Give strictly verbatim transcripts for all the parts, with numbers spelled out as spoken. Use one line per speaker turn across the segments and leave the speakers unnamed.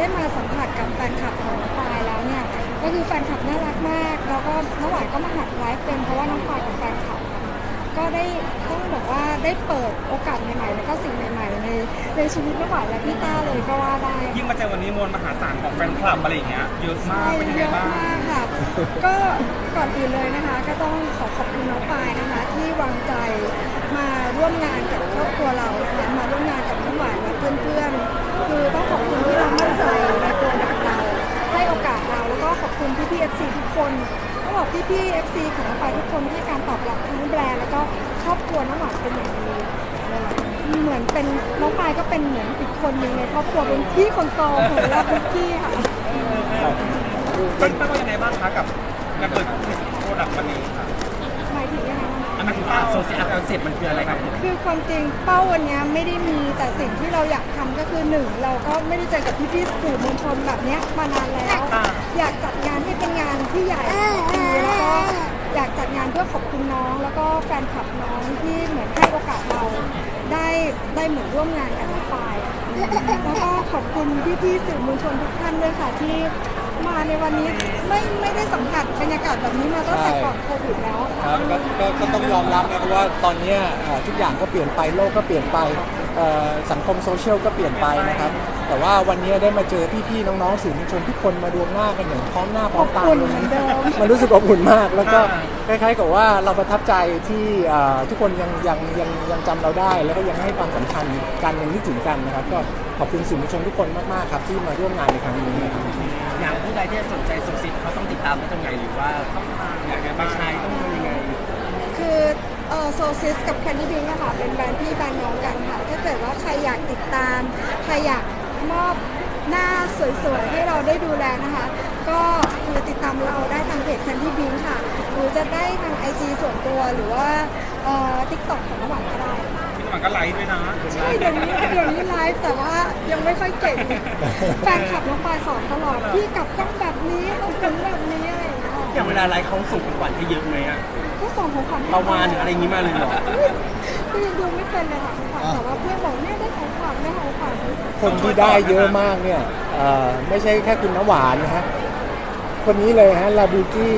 ได้มาสัมผัสกับแฟนคลับของน้องปายแล้วเนี่ยก็คือแฟนคลับน่ารักมากแล้วก็น้องหวานก็มาหัดไลฟ์เป็นเพราะว่าน้องปายกับแฟนคลับก็ได้ต้องบอกว่าได้เปิดโอกาสใหม่ๆแล้วก็สิ่งใหม่ๆในในชีวิตน้องหวานและพี่ต้าเลยก็ว่าได้
ยิ่งมาเจอวันนี้มวลมหาศาลของแฟนคลับอะไรอย่างเงี้ยเยอะมากเป็นยังไงบ้าง
เยอะมากค่ะก็ก่อนอื่นเลยนะคะก็ต้องขอขอบคุณน้องปายนะคะที่วางใจมาร่วมงานกับครอบครัวเรานะคะมาร่วมงานกับน้องหวานและเพื่อนๆคือต้องขอบคุณที่เรามั่นใจในตัวดักเราให้โอกาสเราแล้วก็ขอบคุณพี่พี่เอฟซีทุกคนต้องบอกพี่พี่เอฟซีของน้องปายทุกคนให้การตอบรับทั้งแบรนด์แล้วก็ครอบครัวน้องหวานเป็นอย่างดีเหมือนเป็นน้องปายก็เป็นเหมือนอีกคนหนึ่งในครอบครัวเป็นพี่คนโตของเราทุกพี่ค่ะ
เป็นเป็นยังไงบ้างคะกับการเปิดโปรดักต์วันนี้ค่ะ
หมายถึงยังไง
อันนั้นคือโซเชียลคอนเซ็ปต์มันคืออะไรครับ
คือความจริงเป้าวันนี้ไม่ได้มีแต่สิ่งที่เราอยากทำก็คือหนึ่งเราก็ไม่ได้เจอกับพี่พี่สื่อมวลชนแบบนี้มานานแล้วอยากจัดงานให้เป็นงานที่ใหญ่ดีแล้วก็อยากจัดงานเพื่อขอบคุณน้องแล้วก็แฟนคลับน้องที่เหมือนให้โอกาสเราได้ได้เหมือนร่วมงานกับน้องปายแล้วก็ขอบคุณพี่พี่สื่อมวลชนทุกท่านด้วยค่ะที่มาในวันนี้ไม่ไม่ได้สัมผัสบรรยากาศแบบนี้มาตั้งแต่ก่อนโควิดแล้ว
ครับก็ก็ก็ต้องยอมรับนะครับว่าตอนนี้ทุกอย่างก็เปลี่ยนไปโลกก็เปลี่ยนไปสังคมโซเชียลก็เปลี่ยนไปนะครับแต่ว่าวันนี้ได้มาเจอพี่ๆน้องๆสื่อมวลชนทุกคนมารวมหน้ากันอย่างพร้อมหน้าพร้อมตาเลยมันรู้สึกอบอุ่นมากแล้วก็คล้ายๆกับว่าเราประทับใจที่ทุกคนยังยังยังยังจำเราได้แล้วก็ยังให้ความสำคัญกันยังนึกถึงกันนะครับก็ขอบคุณสื่อมวลชนทุกคนมากๆครับที่มาร่วมงานในครั้งนี้นะครับ
อย่างผู้ใดที่สนใจโซซิปเขาต้องติดตามได้ตรงไหนหรือว่าต้องอยากจะไปใช้ต้องทำยังไง
คือเออโซซิสกับแคนดี้บิงนะคะเป็นแบรนด์พี่แบรนด์น้องกันค่ะถ้าเกิดว่าใครอยากติดตามใครอยากมอบหน้าสวยๆให้เราได้ดูแลนะคะก็คือติดตามเราได้ทางเพจแคนดี้บิงค่ะหรือจะได้ทาง ไอ จี ส่วนตัวหรือว่าเอ่อ ติ๊กต็อก ของน้องหวานก็ได้
พี่หวานก็ไลฟ์ด้วยนะ
ใช่เดี๋ยวนี้เดี๋ยวนี้ไลฟ์แต่ว่ายังไม่ค่อยเก่งแฟนคลับน้องปายสอนตลอดพี่กลับต้องแบบนี้ต้องถึงแบบนี้อะไรอย่างเงี้ย
อย่างเวลาไลฟ์เขาส่งของขวัญให้เยอะไหมอ่ะ
ก็ส่งของขวัญ
ประมาณอะไรอย่างงี้มาเลยเหรอ
ก็ยังดูไม่เป็นเลยค่ะของขวัญแต่ว่าเพื่อนบอกเนี่ยได้ของขวัญได้ของขวัญ
คนที่ได้เยอะมากเนี่ยไม่ใช่แค่คุณน้ำหวานนะฮะคนนี้เลยฮะลาบูกี้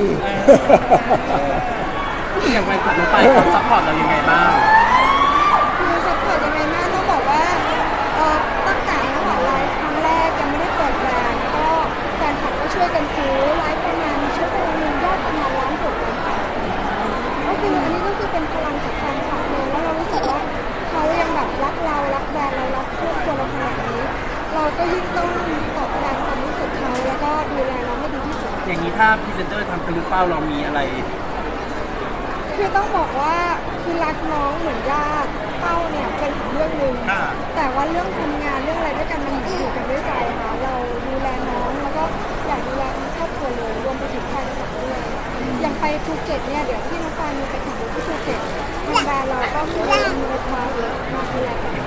อย่างไรกับน้องปายเขาซัพพอร์ตเรายังไงบ้าง
คือซัพพอร์ตยังไงบ้างต้องบอกว่าตั้งแต่น้องหวานไลฟ์ครั้งแรกยังไม่ได้เปิดแบรนด์ก็แฟนคลับก็ช่วยกันซื้อไลฟ์ประมาณชั่วโมงนึงยอดประมาณล้านหกล้านแปดก็คืออันนี้ก็คือเป็นพลังจากแฟนคลับเลยแล้วเรารู้สึกว่าเขายังแบบรักเรารักแบรนด์เรารักครอบครัวเราขนาดนี้เราก็ยิ่งต้องตอบแทนความรู้สึกเขาแล้วก็ดูแลเราให้ดีที่สุด
อย่างนี้ถ้าพรีเซนเตอร์ทำเป็นเป้าเรามีอะไร
คือต้องบอกว่าคือรักน้องเหมือนญาติเป้าเนี่ยเป็นอีกเรื่องหนึ่งแต่ว่าเรื่องทำงานเรื่องอะไรด้วยกันมันอยู่กันด้วยใจค่ะเราดูแลน้องแล้วก็อยากดูแลทั้งครอบครัวเลยรวมไปถึงแฟนคลับด้วยอย่างไปภูเก็ตเนี่ยเดี๋ยวที่น้องปานมีไปแข่งรถที่ภูเก็ตทางแบรนด์เราก็มีรถมามาดูแลกัน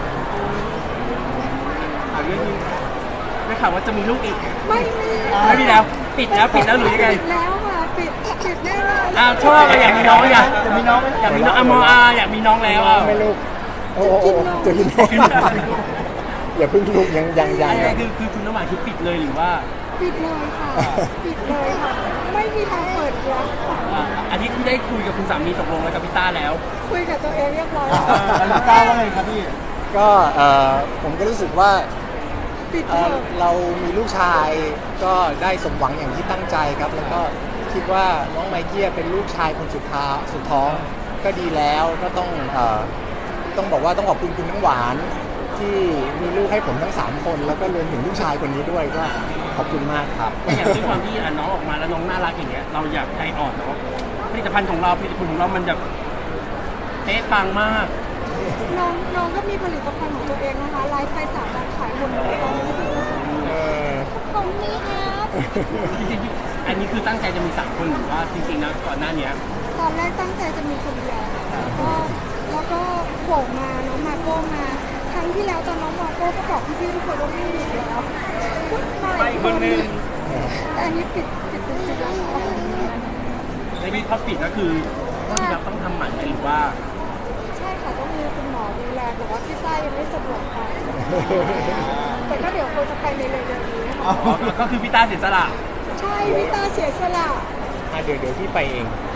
เอาเรื่องนี้ได้ข่าวว่าจะมีลูกอีก
ไม่มี
ไม่มีแล้วปิดแล้วปิดแล้วหรือยังไง
ปิดแล้วค่ะปิดปิดแน่นอน
อ้าวชอบอยากมีน้องอยากมีน้องอยากมีน้องอ่ะมออาอยากมีน้องแล้วอ่ะ
ไม่ลูกโอ้โหจะกินน้องอย่าเพิ่งลูกยังยังยัง
คือคือคุณน้ำหวานคือปิดเลยหรือว่า
ปิดเลยค่ะปิดเลยค่ะไม่มีทางเปิดแล้ว
อันนี้คุณได้คุยกับคุณสามีตกลงแล้วกับพี่ต้าแล้ว
คุยกับตัวเองเรียบร้อย
แล้วต้าว่าไงครับพี่
ก็ผมก็รู้สึกว่าเรามีลูกชายก็ได้สมหวังอย่างที่ตั้งใจครับแล้วก็คิดว่าน้องไมเคิลเป็นลูกชายคนสุดท้ายสุดท้องก็ดีแล้วก็ต้องต้องบอกว่าต้องขอบคุณคุณน้ำหวานที่มีลูกให้ผมทั้งสามคนแล้วก็รวมถึงลูกชายคนนี้ด้วยก็ขอบคุณมากครับ
อย่างที่ความที่น้องออกมาแล้วน้องน่ารักอย่างเงี้ยเราอยากใจอ่อนเนาะผลิตภัณฑ์ของเราผลิตภัณฑ์ของเรามันแบบเป๊ะปังมาก
น้องน้องก็มีผลิตภัณฑ์ของตัวเองนะคะไลฟ์ไปสามวันขายหมดเลยตรงนี้ครับ
จริงๆอันนี้คือตั้งใจจะมีสามคนหรือว่าจริงๆนะก่อนหน้านี้
ตอนแรกตั้งใจจะมีคนเดียวแล้วก็แล้วก็โผล่มาน้องมาโก้มาครั้งที่แล้วตอนน้องมาโก้ก็บอกพี่ๆทุกคนว่าไม่มีแล้ว
ไปคนนึง
แต่อันนี้ปิดปิดปิดแล้ว
ในวิธีพอปิดก็คือที่เราต้องทำหมันหรือว่า
ใช่ค่ะต้องมีคุณหมอดูแลแต่ว่าพี่ต้ายังไม่สะดวกไปแต่ก็เดี๋ยวคงจะไปในเร็วๆนี้
อ๋อก็คือพี่ตาเสียสละ
ใช่พี่ตาเสียสละ
อ่ะเดี๋ยวเดี๋ยวพี่ไปเอง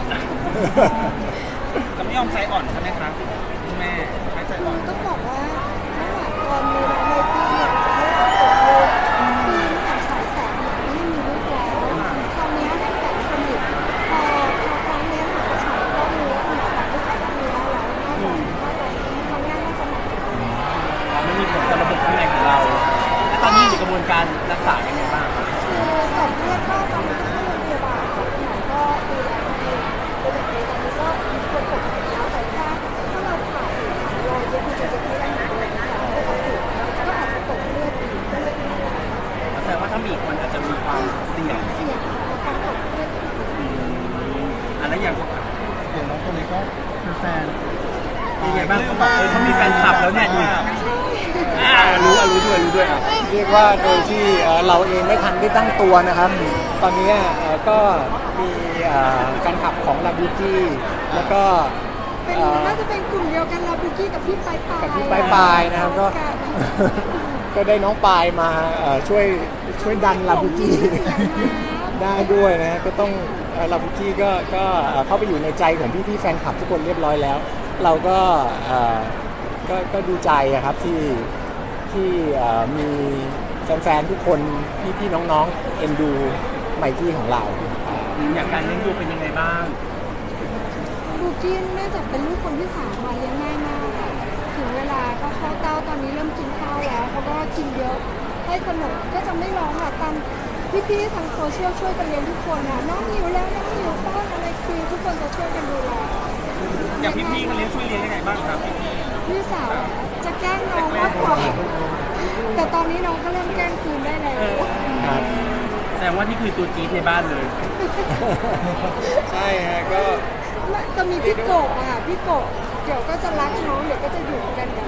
จะไม่ยอมใจอ่อนใช่ไหมคะคุณแม่ไม่ใจ
คื
อ่อ
อน ต้องบอกว่าเมื่อวานตอนมีน้องไมตี้เนี่ยไม่ต้องตกลูกปีนผ่านฉายแสงเนี่ยไม่มีลูกแล้วตอนนี้ให้แบบสนิทพอพอครั้งนี้หนูฉายก็รู้ว่าหนูแบบไม่ใส่เนื้อแล้วน่าจะน่าจะครั้งหน้าน่าจะหนัก
อ๋อไม่มีผลกับระบบข้างในของเรา แล้วตอนนี้อยู่กระบวนการรักษายังไงบ้างครับ
คือตอนเลือดก็ตอนนี้ก็เข้าโรงพยาบาลค่ะหมอก็ดูแลดีดูแลดีตอนนี้ก็มีคนปกติแล้วแต่ถ้าถ้าเราผ่าตัดรอยเย็บมันจะเย็บไม่ได้เหมือนเดิมนะคะปกติก็อาจจะตกเลือดอีกก็เลยเป็นอะไร
แสดงว่าถ้ามีอีกคนอาจจะมีความเสี่ยง
เสี่ยงการตกเลือดอีก
อันนั้นอย่าง
อย่างน้องคนนี้ก็เป็นแฟน
ยังไงบ้างเขาบอกเออเขามีแฟนคลับแล้วเนี่ยนี่อ่ารู้อ่ะรู้ด้วยรู้ด้วยอ่ะ
เรียกว่าโดยที่เอ่อเราเองไม่ทันได้ตั้งตัวนะครับ ตอนนี้เอ่อก็มีเอ่อแฟนคลับของลาบูจี้แล้วก็
เป็น
เอ่อ
น่าจะเป็นกลุ่มเดียวกันลาบูกี้กับพี่ปลายปลาย
กับพี่ปลายปลายนะครับก็ ก็ได้น้องปายมาเอ่อช่วยช่วยดันลาบูจี้ ได้ด้วยนะฮะก็ต้องเอ่อลาบูจี้ก็ก็เอ่อเข้าไปอยู่ในใจของพี่ๆแฟนคลับทุกคนเรียบร้อยแล้ว เราก็เอ่อก็ก็ดีใจอะครับที่ที่เอ่อมีแฟนๆทุกคนพี่ๆน้องๆเอ็นดูไมกี้ของเรา
อย่างการเลี้ยงดูเป็นยังไงบ้าง
บูกี้เนื่องจากเป็นลูกคนที่สามมาเลี้ยงง่ายมากค่ะถึงเวลาก็เข้าเต้าตอนนี้เริ่มกินข้าวแล้วเขาก็กินเยอะให้ขนมก็จะไม่ร้องค่ะตามพี่ๆทางโซเชียลช่วยกันเลี้ยงทุกคนนะน้องหิวแล้วน้องหิวป้อนอะไรคือทุกคนจะช่วยกันดูแล
อย่างพี่ๆเขาเลี้ยงช่วยเลี้ยงยังไงบ้างครับพี่
พี่สาวจะแกล้งน้องมากกว่าแต่ตอนนี้น้องก็เริ่มแกล้งคืนได้แล้ว
ครับ
แสดงว่านี่คือตัวจี๊ดในบ้านเลย
ใช่ฮะก็
จะมีพี่โกะอะค่ะพี่โกะเดี๋ยวก็จะรักน้องเดี๋ยวก็จะอยู่กันกัน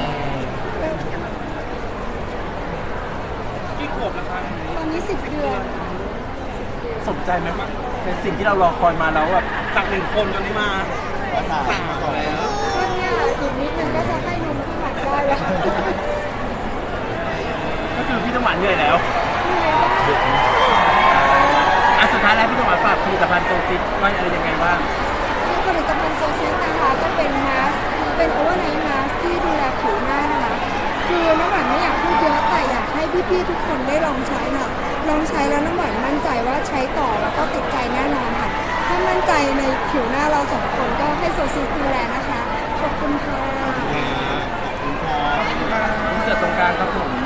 พี่ขวบแล้วครับ
ตอนนี้สิบเดือน
สนใจไหมว่าเป็นสิ่งที่เรารอคอยมาแล้วแบบ
จากหนึ่งคนตอนนี้มาสามแล้ว
ก็เนี่ยอีกนิดนึงก็จะให้นมพี่หมันได้แล้ว
ก็คือพี่ต้องหวานเหนื่อยแล้วอ่ะสุดท้ายแล้วพี่ต้องหวานฝากผลิตภัณฑ์โซซิสว่าอะไรยังไงบ้าง
ผลิตภัณฑ์โซซิสนะคะก็เป็นมาสก์เป็นโอเวอร์ไนท์มาสก์ที่ดูแลผิวหน้านะคะคือน้ำหวานไม่อยากพูดเยอะแต่อยากให้พี่ๆทุกคนได้ลองใช้ค่ะลองใช้แล้วน้ำหวานมั่นใจว่าใช้ต่อแล้วก็ติดใจแน่นอนค่ะถ้ามั่นใจในผิวหน้าเราสองคนก็ให้โซซิสดูแลนะคะขอบคุณค่ะ
รู้สึกตรงกลางครับผม